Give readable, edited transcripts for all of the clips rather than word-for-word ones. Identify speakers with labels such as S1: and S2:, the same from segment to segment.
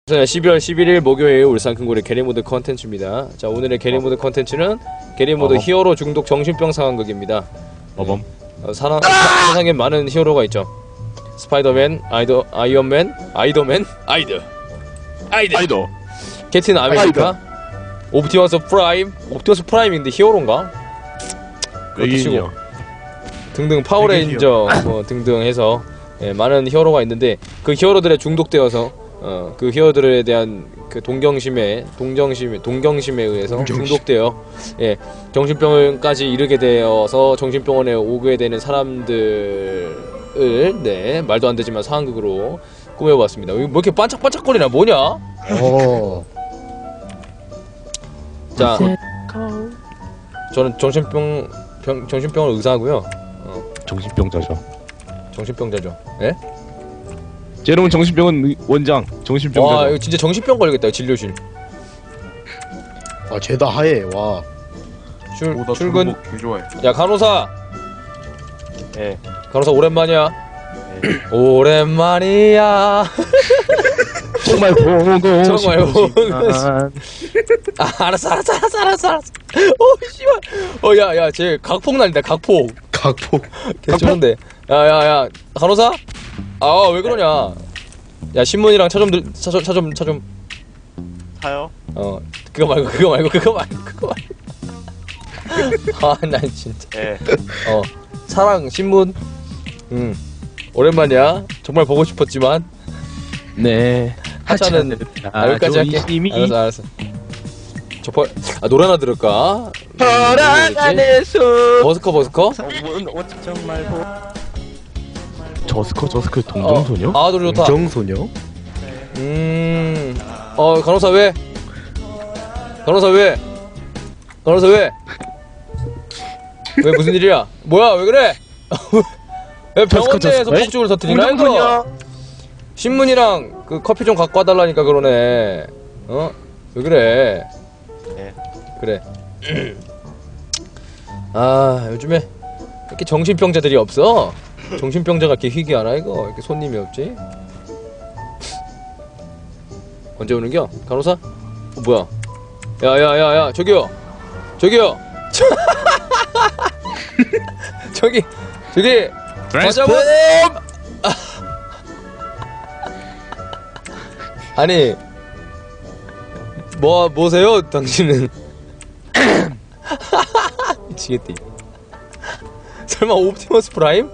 S1: 12월 11일 목요일 울산 큰고래 게리모드 컨텐츠입니다. 자, 오늘의 게리모드 컨텐츠는 게리모드 히어로 중독 정신병 상황극입니다. 세상에 많은 히어로가 있죠. 스파이더맨, 아이언맨, 아이더맨, 아이더, 캡틴 아메리카, 옵티머스 프라임인데 히어로인가? 그것도 치고 등등 파워레인저 뭐 등등 해서 많은 히어로가 있는데 그 히어로들에 중독되어서 그 히어로들에 대한 그 동경심에 의해서 중독되어 정신병까지 이르게 되어서 정신병원에 오게 되는 사람들을 말도 안 되지만 상황극으로 꾸며봤습니다. 뭐 이렇게 반짝반짝거리나 뭐냐? 자, 저는 정신병원 의사고요.
S2: 정신병자죠.
S1: 정신병자죠. 예?
S2: 제롬은 정신병원 원장. 정신병자.
S1: 와, 이거 진짜 정신병 걸리겠다. 진료실.
S3: 아, 죄다 하얘. 와.
S1: 출근.
S4: 좋아해.
S1: 야, 간호사.
S4: 예.
S1: 간호사 오랜만이야. 오랜만이야.
S2: 정말 보고
S1: 정말 보고 알았어. 오, 씨발. 야, 쟤 각폭 날린다. 각폭. 괜찮은데. 야, 간호사? 아, 왜 그러냐? 야, 신문이랑 차 좀.
S4: 사요?
S1: 그거 말고. 아, 난 진짜.
S4: 예.
S1: 사랑 신문. 오랜만이야. 정말 보고 싶었지만.
S2: 네.
S1: 하차는 여기까지 할게. 알았어. 노래 하나 들을까?
S2: 안에서
S1: 버스커?
S4: 정말 보.
S2: 저스커 동정소녀?
S1: 아, 노래 좋다.
S3: 정소녀?
S1: 간호사 왜? 왜 무슨 일이야? 뭐야, 왜 그래? 왜 병원 내에서 폭죽을 터뜨리나 이거? 신문이랑 그 커피 좀 갖고 와달라니까 그러네. 왜 그래?
S4: 예.
S1: 그래. 아, 요즘에 이렇게 정신병자들이 없어. 정신병자가 이렇게 희귀하나 이거? 이렇게 손님이 없지? 언제 오는겨? 간호사? 뭐야? 야, 저기요. 저기.
S4: 트랜스폼!
S1: 아니, 뭐세요, 당신은? 미치겠다. 설마 옵티머스 프라임?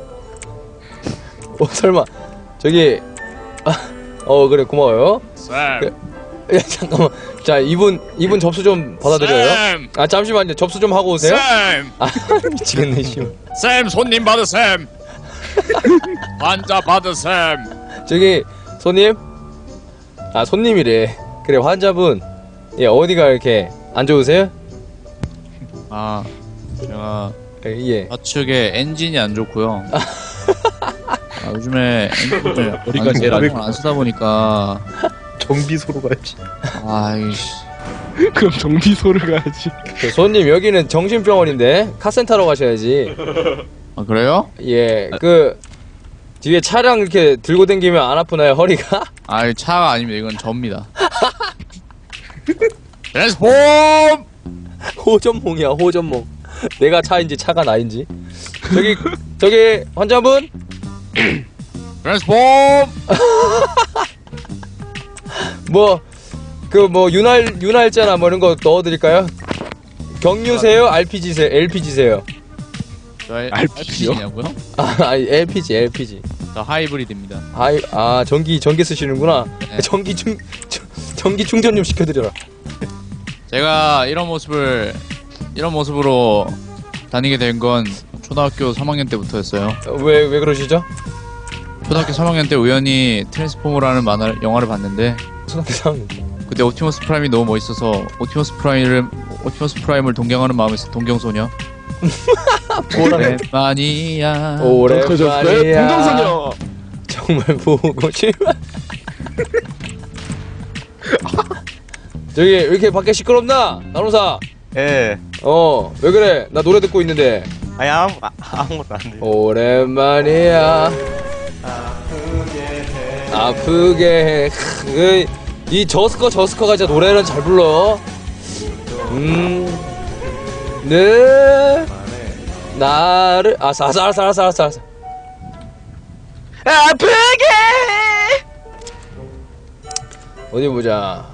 S1: 설마 저기 그래, 고마워요.
S4: 쌤!
S1: 야, 잠깐만. 자, 이분 접수 좀 받아드려요. 아, 잠시만요. 접수 좀 하고 오세요.
S4: 쌤!
S1: 아, 미치겠네, 씨.
S4: 쌤, 손님 받으셈! 환자 받으셈!
S1: 저기 손님? 아, 손님이래. 그래, 환자분. 예, 어디가 이렇게 안 좋으세요?
S5: 아, 제가
S1: 예.
S5: 좌측에 엔진이 안 좋고요. 요즘에 엔진 머리가 제일 안 쓰다 보니까
S3: 정비소로 가야지.
S5: 아이씨.
S2: 그럼 정비소를 가야지.
S1: 손님, 여기는 정신병원인데 카센터로 가셔야지.
S5: 아, 그래요?
S1: 예, 그 뒤에 차량 이렇게 들고 다니면 안 아프나요, 허리가?
S5: 아, 이 차가 아닙니다. 이건 접니다.
S4: 트랜스폼!
S1: 호전몽이야, 호전몽. 내가 차인지 차가 나인지. 저기 환자분?
S4: 트랜스폼!
S1: 윤활자나 뭐 이런 거 넣어드릴까요? 경유세요? LPG세요?
S5: 저
S2: RPG요?
S5: LPG냐고요?
S1: 아니, LPG.
S5: 저 하이브리드입니다.
S1: 전기 쓰시는구나.
S5: 네.
S1: 전기 충전 좀 시켜드려라.
S5: 제가 이런 모습으로 다니게 된 건 초등학교 3학년 때부터였어요.
S1: 왜 그러시죠?
S5: 초등학교 3학년 때 우연히 트랜스포머라는 영화를 봤는데 그때 옵티머스 프라임이 너무 멋있어서 옵티머스 프라임을 동경하는 마음에서 동경소녀. 오랜만이야.
S2: 동정소녀.
S1: 정말 보고 싶어. 저기 왜 이렇게 밖에 시끄럽나? 간호사.
S4: 예.
S1: 왜 그래? 나 노래 듣고 있는데.
S4: 아니, 아무것도 안 돼요.
S1: 오랜만이야. 아프게 해. 이 저스커가 진짜 노래는 잘 불러. 네. 나를 알았어.
S2: 아프게.
S1: 어디 보자.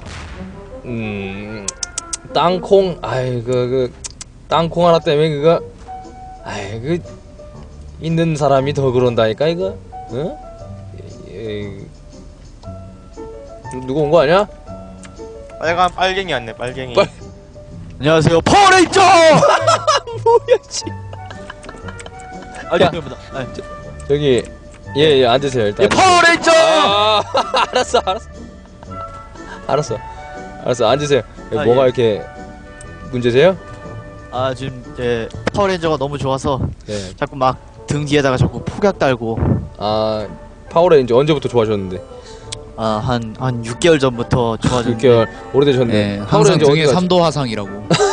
S1: 땅콩. 아이 땅콩 하나 때문에 그거. 아이 있는 사람이 더 그런다니까 이거. 응? 누구 온 거 아니야?
S6: 빨간 빨갱이 왔네 빨갱이.
S2: 안녕하세요 파워레인저.
S1: 뭐야 씨. 야. 저기 예 앉으세요 일단.
S2: 파워레인저.
S1: 알았어 앉으세요. 뭐가 이렇게 문제세요?
S7: 지금 파워레인저가 너무 좋아서
S1: 네.
S7: 자꾸 막 등 뒤에다가 자꾸 폭약 달고
S1: 파워레인저 언제부터 좋아하셨는데?
S7: 한 6개월 전부터 좋아졌는데
S1: 6개월 오래되셨네.
S5: 네, 항상
S1: 파워레인저
S5: 등에
S1: 어디 갔지?
S5: 3도 화상이라고.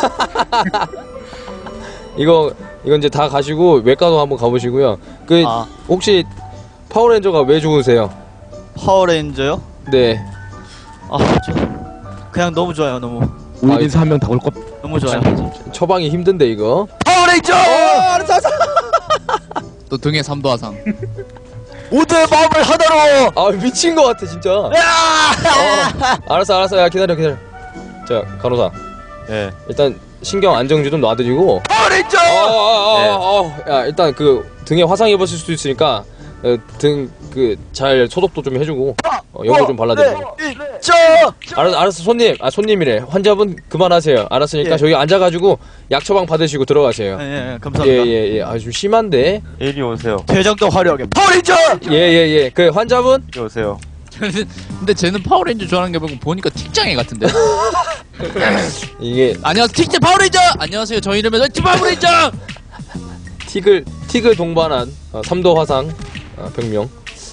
S1: 이거 이제 다 가시고 외과도 한번 가보시고요. 혹시 파워레인저가 왜 좋으세요?
S7: 파워레인저요?
S1: 네.
S7: 저 그냥 너무 좋아요. 너무
S2: 우리인사 한 명 다 올 것.
S7: 너무 좋아요.
S1: 처방이 힘든데 이거.
S2: 파워레인저.
S5: 또 등에 3도 화상.
S7: 모두의 마음을 하나로.
S1: 미친 것 같아 진짜. 알았어. 야 기다려. 자 간호사.
S6: 예.
S1: 일단 신경 안정제 좀 놔드리고.
S2: 파워레인저.
S1: 야 일단 등에 화상 입었을 수도 있으니까 등 잘 소독도 좀 해주고 연고 좀 발라드리고. 알았어 손님이래. 환자분 그만하세요. 알았으니까 저기 앉아가지고 약 처방 받으시고 들어가세요.
S7: 감사합니다.
S1: 예. 좀 심한데.
S6: 이리 오세요.
S7: 대장도 화려하게.
S2: 파워레인저.
S1: 예. 그 환자분.
S6: 이리 오세요.
S5: 근데 쟤는 파워레인저 좋아하는 게 보니까 틱장애 같은데.
S1: 이게
S5: 안녕하세요 틱장 파워레인저. 안녕하세요 저 이름은 파워레인저.
S1: 틱을 동반한 3도 화상 병명.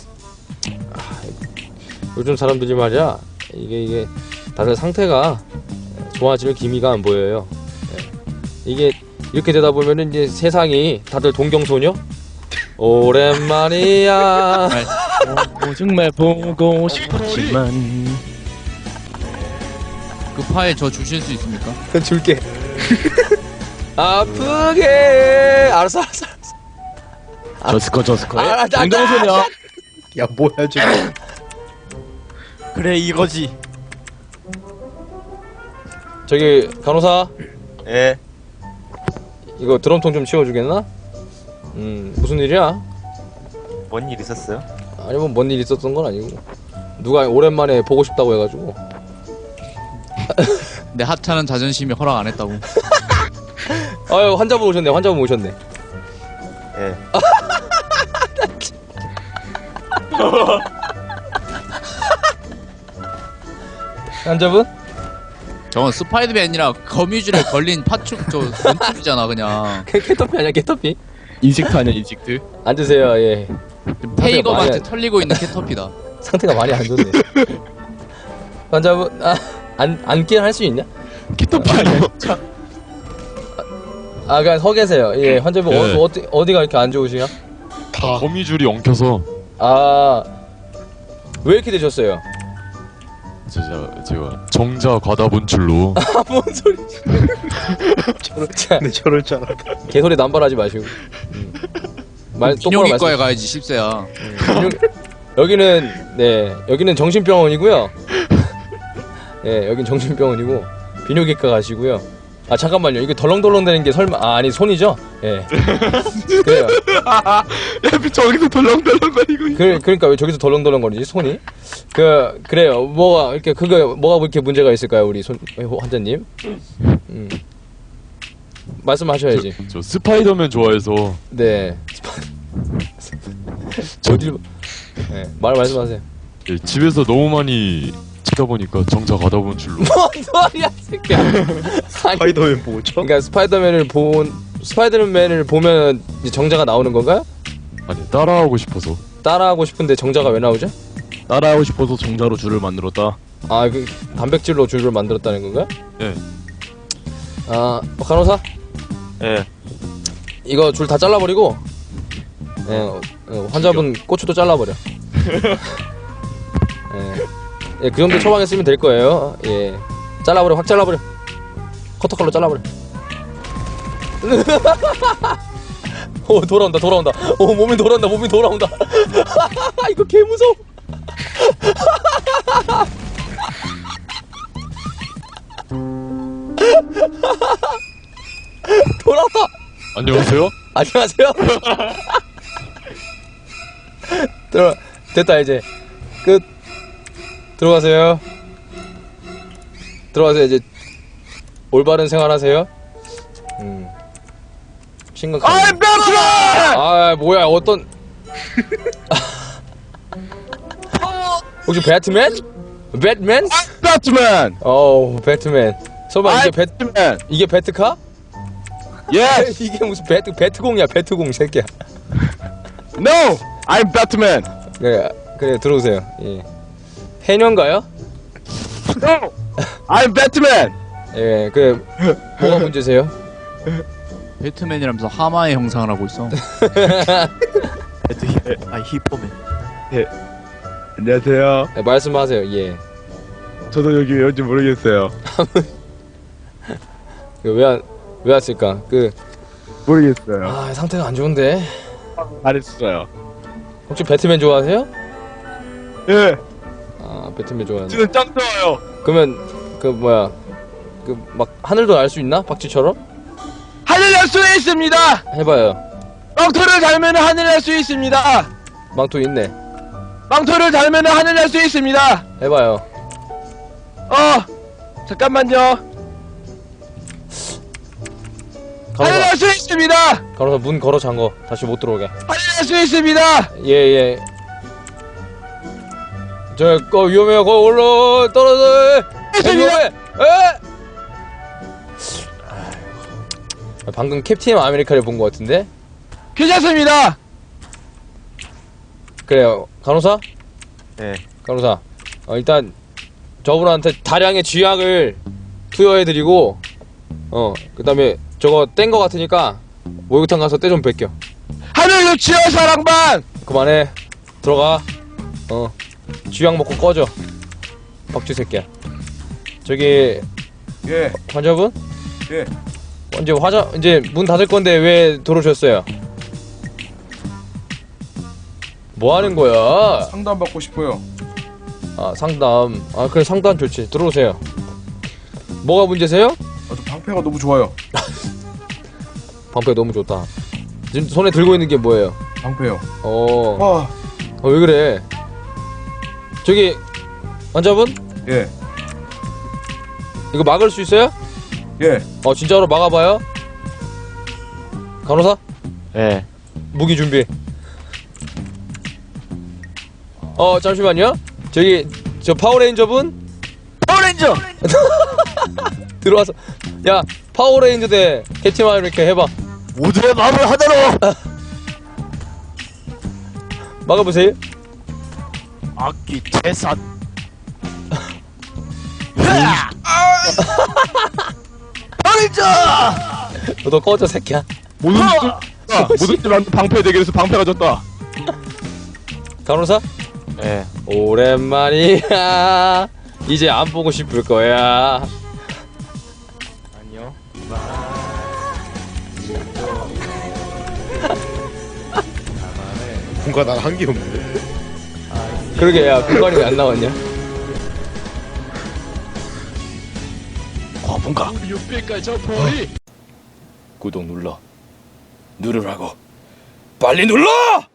S1: 요즘 사람들이 말이야 이게 다들 상태가 좋아질 기미가 안 보여요. 이게 이렇게 되다 보면은 이제 세상이 다들 동경소녀? 오랜만이야.
S2: 정말 보고 싶었지만.
S5: 그 파일 저 주실 수 있습니까?
S1: 줄게. 아프게. 알았어.
S2: 저스커.
S1: 아,
S2: 운동소녀.
S3: 야 뭐야 지금.
S7: 그래 이거지.
S1: 저기 간호사
S6: 예.
S1: 이거 드럼통 좀 치워주겠나? 무슨 일이야?
S6: 뭔 일 있었어요?
S1: 아니 뭐 뭔 일 있었던 건 아니고 누가 오랜만에 보고 싶다고 해가지고.
S5: 내 하찮은 자존심이 허락 안 했다고.
S1: 아유 환자분 오셨네.
S6: 예.
S1: 환자분?
S5: 저건 스파이더맨이라 거미줄에 걸린 파축 저 눈톱이잖아 그냥.
S1: 캐터피 아니야 캐터피?
S2: 인식트 아니야 인식트?
S1: 앉으세요. 예.
S5: 페이거한테
S1: 많이
S5: 털리고 있는 캐터피다.
S1: 상태가 많이 안 좋네. 환자분 앉긴 할 수 있냐?
S2: 키토피 아니야.
S1: 그냥 서 계세요. 예 환자분
S8: 네.
S1: 어디가 이렇게 안 좋으시냐?
S8: 거미줄이 엉켜서
S1: 왜 이렇게 되셨어요?
S8: 제가 정자 과다 분출로
S1: 뭔 소리?
S3: 저럴 줄 알았다.
S1: 개소리 남발하지 마시고. 말 똑바로
S5: 비뇨기과에
S1: 말씀.
S5: 가야지 10세야.
S1: 여기는 정신병원이고요. 예, 여긴 정신병원이고 비뇨기과 가시고요. 잠깐만요. 이게 덜렁덜렁 되는 게 설마 아니 손이죠? 예. 그래요.
S2: 야 저기서 덜렁덜렁거리고.
S1: 그러니까 왜 저기서 덜렁덜렁거리지 손이? 그래요. 뭐가 이렇게 문제가 있을까요, 우리 환자님? 말씀하셔야지.
S8: 저 스파이더맨 좋아해서
S1: 네. 어딜? 네, 말씀하세요.
S8: 예, 집에서 너무 많이 치다 보니까 정자 과다 분출로
S1: 뭔 소리야, 새끼야.
S3: 스파이더맨 뭐죠?
S1: 그러니까 스파이더맨을 보면 이제 정자가 나오는 건가요?
S8: 아니 따라하고 싶어서
S1: 따라하고 싶은데 정자가 왜 나오죠?
S2: 따라하고 싶어서 정자로 줄을 만들었다.
S1: 단백질로 줄을 만들었다는 건가요?
S8: 네.
S1: 간호사?
S6: 예.
S1: 이거 줄 다 잘라버리고 환자분 고추도 잘라버려. 예, 그 정도 처방했으면 될 거예요. 예, 잘라버려, 확 잘라버려. 커터칼로 잘라버려. 오, 돌아온다. 오, 몸이 돌아온다. 이거 개 무서워. 돌아왔다.
S8: 안녕하세요.
S1: 안녕하세요. 됐다 이제 끝. 들어가세요. 이제 올바른 생활하세요. 심각한. 아, 뭐야, 어떤. 혹시 배트맨? 배트맨?
S2: 배트맨.
S1: 배트맨. 설마
S2: 배트맨.
S1: 이게 배트카?
S2: 예.
S1: 이게 무슨 배트공이야, 배트공 새끼야.
S2: No. I'm Batman.
S1: 그래 들어오세요. 예. 해녀인가요?
S2: No. I'm Batman.
S1: 예, 그래. 뭐가 문제세요?
S5: 배트맨이라면서 하마의 형상을 하고 있어.
S7: 히퍼맨.
S2: 안녕하세요.
S1: 네, 말씀하세요. 예.
S2: 저도 여기 왠지 모르겠어요.
S1: 왜 왔을까?
S2: 모르겠어요.
S1: 상태가 안 좋은데.
S2: 잘했어요.
S1: 혹시 배트맨 좋아하세요?
S2: 예.
S1: 배트맨 좋아하는데.
S2: 저는 짱 좋아요.
S1: 그러면 막 하늘도 날 수 있나? 박쥐처럼?
S2: 하늘 날 수 있습니다.
S1: 해봐요.
S2: 망토를 달면 하늘 날 수 있습니다.
S1: 망토 있네.
S2: 망토를 달면 하늘 날 수 있습니다.
S1: 해봐요.
S2: 잠깐만요. 하늘 날 수 있습니다.
S1: 가로사 문 걸어 잠궈. 다시 못 들어오게.
S2: 하늘 날 수 있습니다.
S1: 예. 거 위험해요. 거 올라 떨어져. 위험해. 방금 캡틴 아메리카를 본 것 같은데.
S2: 괜찮습니다.
S1: 그래요. 간호사?
S6: 네.
S1: 간호사. 일단 저분한테 다량의 쥐약을 투여해드리고, 그다음에 저거 뗀 거 같으니까 목욕탕 가서 때 좀 뺏겨.
S2: 하늘 유치원 사랑방.
S1: 그만해. 들어가. 쥐약 먹고 꺼져. 박쥐 새끼야. 저기
S3: 예.
S1: 환자분?
S3: 예.
S1: 이제 문 닫을 건데 왜 들어오셨어요? 뭐 하는 거야?
S3: 상담 받고 싶어요.
S1: 상담. 그래, 상담 좋지. 들어오세요. 뭐가 문제세요?
S3: 저 방패가 너무 좋아요.
S1: 방패 너무 좋다. 지금 손에 들고 있는 게 뭐예요?
S3: 방패요.
S1: 왜 그래? 저기 환자분?
S3: 예.
S1: 이거 막을 수 있어요?
S3: 예.
S1: 진짜로 막아봐요. 간호사?
S6: 예.
S1: 무기 준비. 잠시만요. 저 파워레인저분?
S7: 파워레인저.
S1: 들어와서. 야, 파워레인저 대 캡틴 아메리카 해봐.
S7: 모두의 마음을 하나로.
S1: 막아보세요.
S7: 악기 태산. 파워레인저.
S1: 너 꺼져 새끼야.
S2: 모든 줄 방패 대결에서 방패가 졌다.
S1: 간호사?
S6: 예.
S1: 오랜만이야. 이제 안 보고 싶을 거야.
S6: 아니요.
S3: 뭔가 난 한 게 없는데.
S1: 그러게, 야, 공간이 왜 안 나왔냐?
S2: 뭔가.
S1: 구독 눌러. 누르라고. 빨리 눌러!